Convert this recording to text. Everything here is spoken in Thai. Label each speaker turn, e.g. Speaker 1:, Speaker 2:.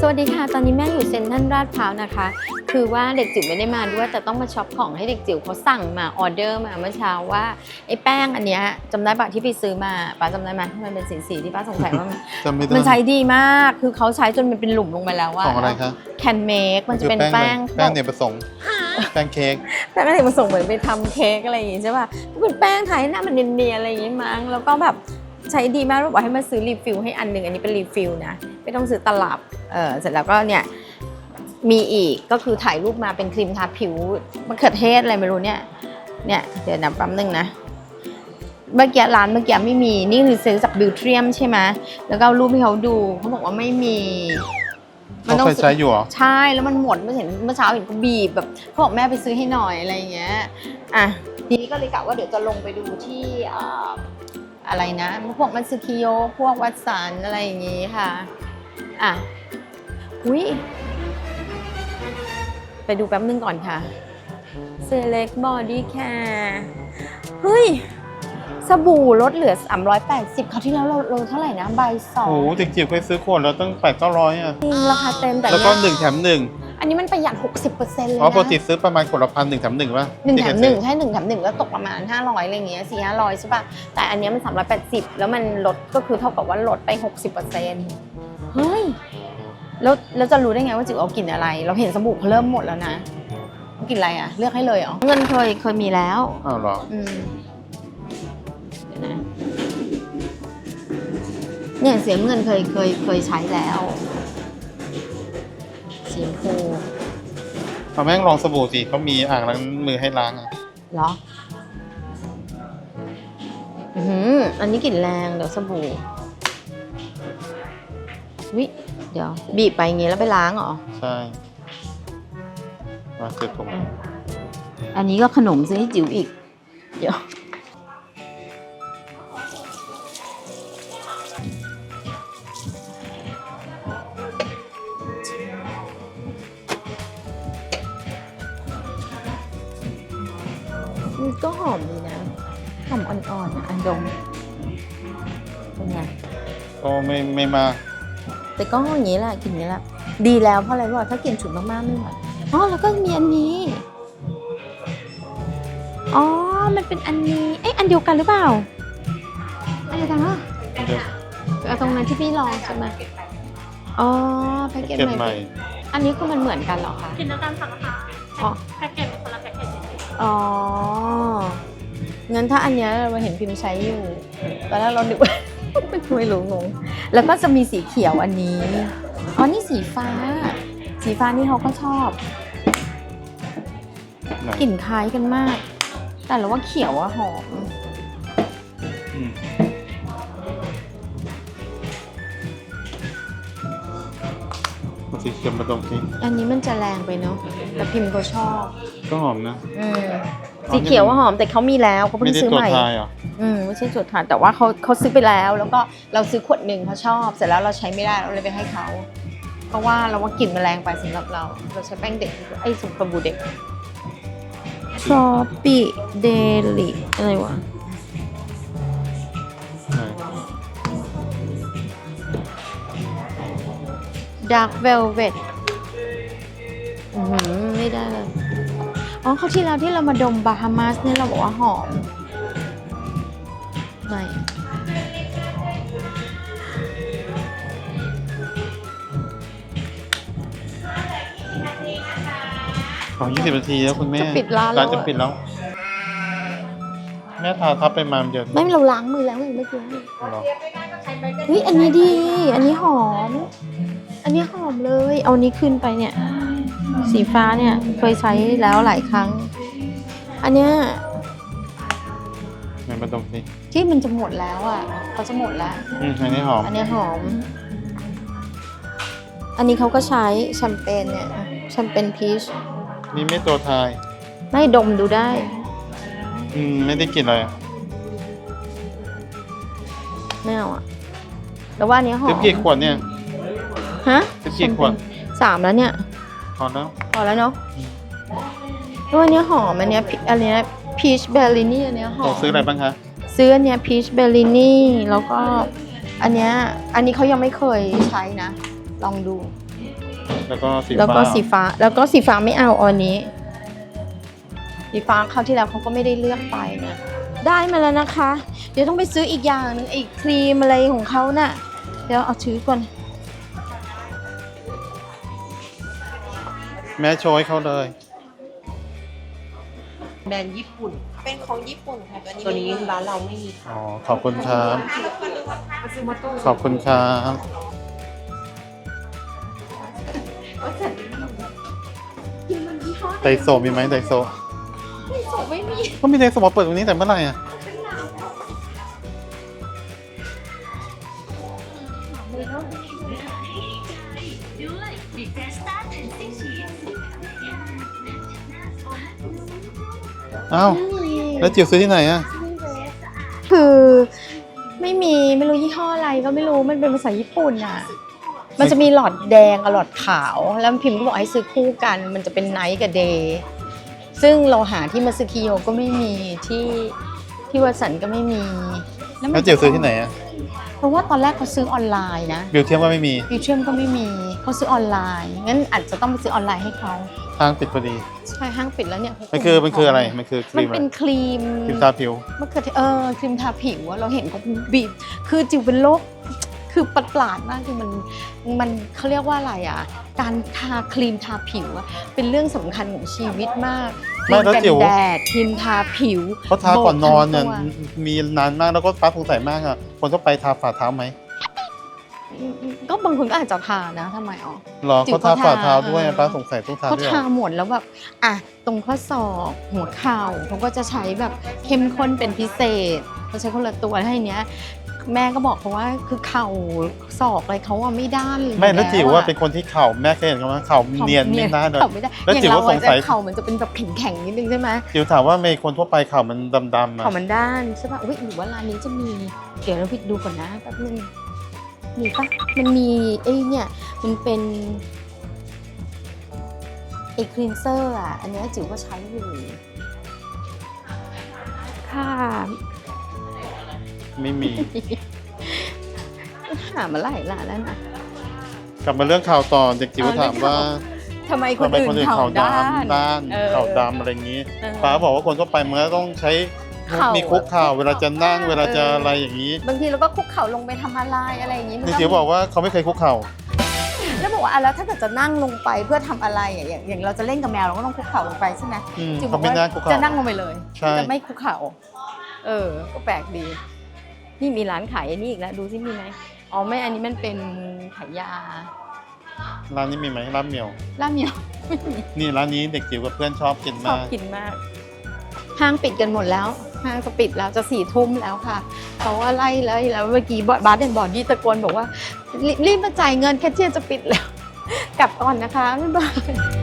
Speaker 1: สวัสดีค่ะตอนนี้แม่อยู่เซ็นทรัลลาดพร้าวนะคะคือว่าเด็กจิ๋วไม่ได้มาด้วยแต่ต้องมาช็อปของให้เด็กจิ๋วเขาสั่งมาออเดอร์มาเมื่อเช้าว่าไอ้แป้งอันเนี้ยจำได้ปะที่ไปซื้อมาป้าจำได้ไหมที่มันเป็นสีที่ป้าสงสัยว่ามันใช้ดีมากคือเขาใช้จนมันเป็นหลุมลงไปแล้วว่า
Speaker 2: ของอะไรคะ
Speaker 1: แคนเมคมันจะเป็นแป้ง
Speaker 2: เนี่ยผสมแป้งเค้ก
Speaker 1: แป้งเนี่ยผสมเหมือนไปทำเค้กอะไรอย่างงี้ใช่ป่ะเป็นแป้งไทยหน้ามันเนียนๆอะไรอย่างงี้มั้งแล้วก็แบบใช้ดีมากเราบอกให้มาซื้อรีฟิลให้อันหนึ่งอันนี้เป็นรีฟิลนะไม่ต้องซื้อตลับเสร็จแล้วก็เนี่ยมีอีกก็คือถ่ายรูปมาเป็นครีมทาผิวมะเขือเทศอะไรไม่รู้เนี่ยเดี๋ยวนะแป๊บนึงนะเมื่อกี้ร้านเมื่อกี้ไม่มีนี่คือซื้อจากบิวเทียมใช่ไหมแล้วก็รูปให้เขาดูเขาบอกว่าไม่มี
Speaker 2: มันต้องใช้อยู่หรอ
Speaker 1: ใช่แล้วมันหมดเมื่อเช้าเห็นเขาบีบแบบเขาบอกแม่ไปซื้อให้หน่อยอะไรอย่างเงี้ยอ่ะทีนี้ก็เลยกะว่าเดี๋ยวจะลงไปดูที่อะไรนะพวกมัตสึคิโยพวกวัตสันอะไรอย่างงี้ค่ะอ่ะอุ้ยไปดูแป๊บนึงก่อนค่ะ Select Body Care เฮ้ยสบู่ลดเหลือ380คราวที่แล้วเราเท่าไหร่นะใบ2
Speaker 2: โอ้โหเด็กจิ๋วเคยซื้อขวดแล้วตั้ง800-900อ่ะ
Speaker 1: จริงราคาเต็มแต่
Speaker 2: แล้วก็1แถม1
Speaker 1: อันนี้มันประหยัด 60% เลยนะ
Speaker 2: เพราะปกติซื้อประมาณขวดละ1,000 1แถม1ป่ะ
Speaker 1: 1แถม1ใช่1แถม1ก็ตกประมาณ500อะไรอย่างเงี้ย400-500ใช่ป่ะแต่อันนี้มัน380แล้วมันลดก็คือเท่ากับว่าลดไป 60%เฮ้ยแล้วจะรู้ได้ไงว่าจิ๋วเอากลิ่นอะไรเราเห็นสบู่เขาเริ่มหมดแล้วนะกลิ่นอะไรอ่ะเลือกให้เลยเหรอเงินเคยมีแล้ว
Speaker 2: อ้าวเหรอ
Speaker 1: เดี๋ยวนะเนี่ยเสียเงินเคยใช้แล้วสีชมพู
Speaker 2: เอาแม่งลองสบู่สิเขามีอ่างล้างมือให้ล้างอ่ะ
Speaker 1: เหรออันนี้กลิ่นแรงเดี๋ยวสบู่วิเดี๋ยวบีบไปอย่างงี้แล้วไปล้างเหรอ
Speaker 2: ใช่มาเสร็จผม
Speaker 1: อันนี้ก็ขนมซื้อให้จิ๋วอีกเดี๋ยวก็หอมดีนะหอมอ่อนๆนะอันดมเป็นไง
Speaker 2: ก็ไม่มาก
Speaker 1: แต่ก็อย่างนี้แหละกลิ่นนี้แหละดีแล้วเพราะอะไรรู้ป่ะถ้ากลิ่นฉุนมากๆไม่ไหวอ๋อแล้วก็มีอันนี้อ๋อมันเป็นอันนี้อันเดียวกันหรือเปล่าอันเดียวกันเหรอเอาตรงนั้นที่พี่ลองใช่ไหมอ๋อแพ็กเกจใหม่อันนี้คือมันเหมือนกันเหรอคะ
Speaker 3: กินแล้วกันค่ะนะคะอ๋อแพ็กเกจคนละแพ็กเกจ
Speaker 1: อ๋องั้นถ้าอันเนี้ยเราเห็นพิมพ์ใช้อยู่ตอนแรกเราดึกไม่รู้งงแล้วก็จะมีสีเขียวอันนี้อ๋อนี่สีฟ้านี่เขาก็ชอบกลิ่นคล้ายกันมากแต่เราว่าเขียวอะหอม
Speaker 2: สีเขียวมาตรงนี้
Speaker 1: อันนี้มันจะแรงไปเนาะแต่พิมพ์ก็ชอบ
Speaker 2: ก็หอมนะ
Speaker 1: สีเขียวว่าหอมแต่เขามีแล้วเขาเพิ่งซื้อใหม่ไม่ใช่จุดทานแต่ว่าเขาซื้อไปแล้วก็เราซื้อขวดหนึ่งเขาชอบเสร็จแล้วเราใช้ไม่ได้เราเลยไปให้เขาเพราะว่าเราว่ากลิ่นมันแรงไปสำหรับเราใช้แป้งเด็กสบู่เด็กชอปปี้เดลิอะไรวะดาร์กเวลเวทไม่ได้เลยอ๋อเขาที่แล้วที่เรามาดมบาฮามาสเนี่ยเราบอกว่าหอมไม่
Speaker 2: 20 นาทีแล้วคุณแม่
Speaker 1: จะปิดร้าน
Speaker 2: จะปิดแล้วแม่ทาทับไปมาเยอะ
Speaker 1: ไม่เราล้างมือแล้วเมื่อกี้เฮ้ยอันนี้ดีอันนี้หอมเลยเอานี้ขึ้นไปเนี่ยสีฟ้าเนี่ยเคยใช้แล้วหลายครั้งอันเนี้ย
Speaker 2: มันตรงนี้
Speaker 1: ที่มันจะหมดแล้วอ่ะเขาจะหมดแล้ว
Speaker 2: อันนี้หอม
Speaker 1: อันนี้อันนี้เขาก็ใช้แชมเปญเนี่ยแชมเปญพีช
Speaker 2: นี่ไม่ตัวทาย
Speaker 1: ไม่ดมดูได้
Speaker 2: ไม่ได้กลิ่นอะไร
Speaker 1: ไม่เอาอ่ะแต่ว่าอันนี้หอม
Speaker 2: กี่ขวดเนี่ย
Speaker 1: ฮะ
Speaker 2: กี่ขวด
Speaker 1: 3แล้วเนี่ย
Speaker 2: พอ
Speaker 1: แล้วเนาะตัวนี้หอมอันเนี้ยพีชเบลลินี่อันเนี้ยหอม
Speaker 2: ซื้ออะไรบ้างคะ
Speaker 1: ซื้ออันเนี้ยพีชเบลลินี่แล้วก็อันนี้เขายังไม่เคยใช้นะลองดู
Speaker 2: แล้วก็สี
Speaker 1: แล้ว
Speaker 2: ฟ้า
Speaker 1: ก็สีฟ้าแล้วก็สีฟ้าไม่เอาอันนี้ สีฟ้าคราวที่แล้วเขาก็ไม่ได้เลือกไปนะได้มาแล้วนะคะ เดี๋ยวต้องไปซื้ออีกอย่างหนึงไอ้ครีมอะไรของเขาน่ะ เดี๋ยวเอาถือก่อน
Speaker 2: แม่โชว์ให้เขาเลย
Speaker 4: แบรนด์ญี่ปุ่น
Speaker 5: เป็นของญี่ปุ่นค่ะ
Speaker 4: ตัวนี้ร้านเราไม่มี
Speaker 2: อ๋อ ขอบคุณครับ ขอบคุณครับ ไดโซมีไหมไดโซ
Speaker 1: ไม่มี
Speaker 2: ก็มีไดโซมาเปิดตรงนี้แต่เมื่อไหร่อ่ะ อ้าว แล้วจิ๋วซื้อที่ไหนอ่ะ
Speaker 1: คือไม่มีไม่รู้ยี่ห้ออะไรก็ไม่รู้มันเป็นภาษาญี่ปุ่นอ่ะ มันจะมีหลอดแดงกับหลอดขาว แล้วพิมพ์ก็บอกให้ซื้อคู่กัน มันจะเป็นไนท์กับเดย์ซึ่งเราหาที่มาซึคิโยก็ไม่มีที่วัดสันก็ไม่มี
Speaker 2: แล้วจิ๋วซื้อที่ไหนอ่ะ
Speaker 1: เพราะว่าตอนแรกเขาซื้อออนไลน์นะ
Speaker 2: บิวเทียมว่าไม่มี
Speaker 1: ฟิวเชื่อมก็ไม่มีเขาซื้อออนไลน์ งั้นอาจจะต้องไปซื้อออนไลน์ให้เขา
Speaker 2: ห้างปิดพอดี
Speaker 1: ใช่ห้างปิดแล้วเนี่ย
Speaker 2: มันคืออะไร มันคือค
Speaker 1: มั
Speaker 2: รี
Speaker 1: น
Speaker 2: มอะไร
Speaker 1: เป็นครีม
Speaker 2: ครีมทาผิว
Speaker 1: มะเขือเทศครีมทาผิวอะเราเห็นเขาบีบคือจิวเป็นโรคคือประหลาดมากคือมันเขาเรียกว่าอะไรอ่ะ การทาครีมทาผิวอะเป็นเรื่องสำคัญของชีวิตมาก
Speaker 2: ไม่แล้ว
Speaker 1: ครี
Speaker 2: จิ๋
Speaker 1: กั
Speaker 2: ว
Speaker 1: นแดดครีมทาผิว
Speaker 2: เขาทาก่อนนอนเนี่ย
Speaker 1: โบกทั้งตัว
Speaker 2: มีนานมากแล้วก็ป้าสงสัยมากอ่ะ คนทั่วไปทาฝ่าเท้าไหม
Speaker 1: ก็บางคนก็อาจจะทานะทำไมอ๋อ
Speaker 2: หรอ
Speaker 1: จิ๋ว
Speaker 2: เขาทา
Speaker 1: เขาทา
Speaker 2: ฝ่าเท้าด้วยป้าสงสัยต้องทา
Speaker 1: เขา
Speaker 2: ด้วยเหร
Speaker 1: ทา
Speaker 2: อ
Speaker 1: หมดแล้วแบบอ่ะตรงข้อศอกหัวเข่าเขาก็จะใช้แบบเข้มข้นเป็นพิเศษเขาใช้คนละตัวให้เนี้ย แม่ก็บอกเขาว่าคือเข่าศอกอะไรเขาว่าไม่ด้านเลย
Speaker 2: ไม่แล้วจิ๋วว่า
Speaker 1: อะ
Speaker 2: เป็นคนที่เข่าแม่เคยเห็นเขาไหมเข่าเนียนไม่น่าเลย
Speaker 1: เข่าไม่ได้
Speaker 2: แล้ว
Speaker 1: อย่าง
Speaker 2: จิ๋ว
Speaker 1: เรา
Speaker 2: ก็สงสัย
Speaker 1: เข่ามันจะเป็นแบบแข็งๆนิดนึงใช่ไหม
Speaker 2: จิ๋วถามว่าเมย์คนทั่วไปเข่ามันดำๆอ่ะ
Speaker 1: เข่ามันด้านใช่ป่ะอุ้ยหรือว่าร้านนี้จะมีเดี๋ยวเราไปดูก่อนนะแป๊บนึงมีปะมันมีไอ้เนี่ยมันเป็นไอ้คลีนเซอร์อ่ะอันเนี้ยจิ๋วก็ใช้อยู่ค่ะ
Speaker 2: ไม่มี
Speaker 1: หามาหลายร้านแล้วนะ
Speaker 2: กลับมาเรื่องข่าวต่อเด็กจิ๋วถามว่า
Speaker 1: ทำไมค
Speaker 2: ทำ
Speaker 1: น
Speaker 2: ไม
Speaker 1: อื่
Speaker 2: คน
Speaker 1: น
Speaker 2: อื่น
Speaker 1: เข่า
Speaker 2: เข่า
Speaker 1: ด้าน
Speaker 2: ด้าน
Speaker 1: เออ
Speaker 2: เข่าดำอะไรอย่างนี้
Speaker 1: เออ
Speaker 2: ป้าบอกว่าคนทั่วไปมันก็ต้องใช้
Speaker 1: เข่ามี
Speaker 2: มีคุกเข่าเวลาจะนั่ง
Speaker 1: เออ
Speaker 2: เวลาจะอะไรอย่างนี้
Speaker 1: บางทีเราก็คุกเข่าลงไปทำอะไรอย่างนี้มัน
Speaker 2: เด็ก
Speaker 1: ก็
Speaker 2: จิ๋วบอกว่าเขาไม่เคยคุกเข่า
Speaker 1: แล้วบอกว่าอ่ะแล้วถ้าเกิดจะนั่งลงไปเพื่อทำอะไรอ่ะอย่างเราจะเล่นกับแมวเราก็ต้องคุกเข่าลงไปใช่ไหม
Speaker 2: อืม
Speaker 1: จิ๋วบ
Speaker 2: เขา
Speaker 1: อก
Speaker 2: ไม่
Speaker 1: ว่า
Speaker 2: นั่งคุกเข่า
Speaker 1: จะนั่งลงไปเลย
Speaker 2: ใช่
Speaker 1: จะไม่คุกเข่าก็แปลกดี นี่มีร้านขายอันนี้อีกแล้วดูซิมีไหมอ๋อไม่อันนี้มันเป็นขายยา
Speaker 2: ร้านนี้มีไหมร้านเหมียว
Speaker 1: ล่าเมียวไม่มี
Speaker 2: นี่ร้านนี้เด็กจิ๋วกับเพื่อนชอบกิน
Speaker 1: ชอบ
Speaker 2: มาก
Speaker 1: กินมาก ห้างปิดกันหมดแล้ว ห้างจะปิดแล้วจะ4 ทุ่มแล้วค่ะเขาว่าไล่แล้วเมื่อกี้บาสเดนบอร์ดยี่ตะโกนบอกว่ารีบมาจ่ายเงินแคชเชียร์จะปิดแล้ว กลับก่อนนะคะบ๊ายบาย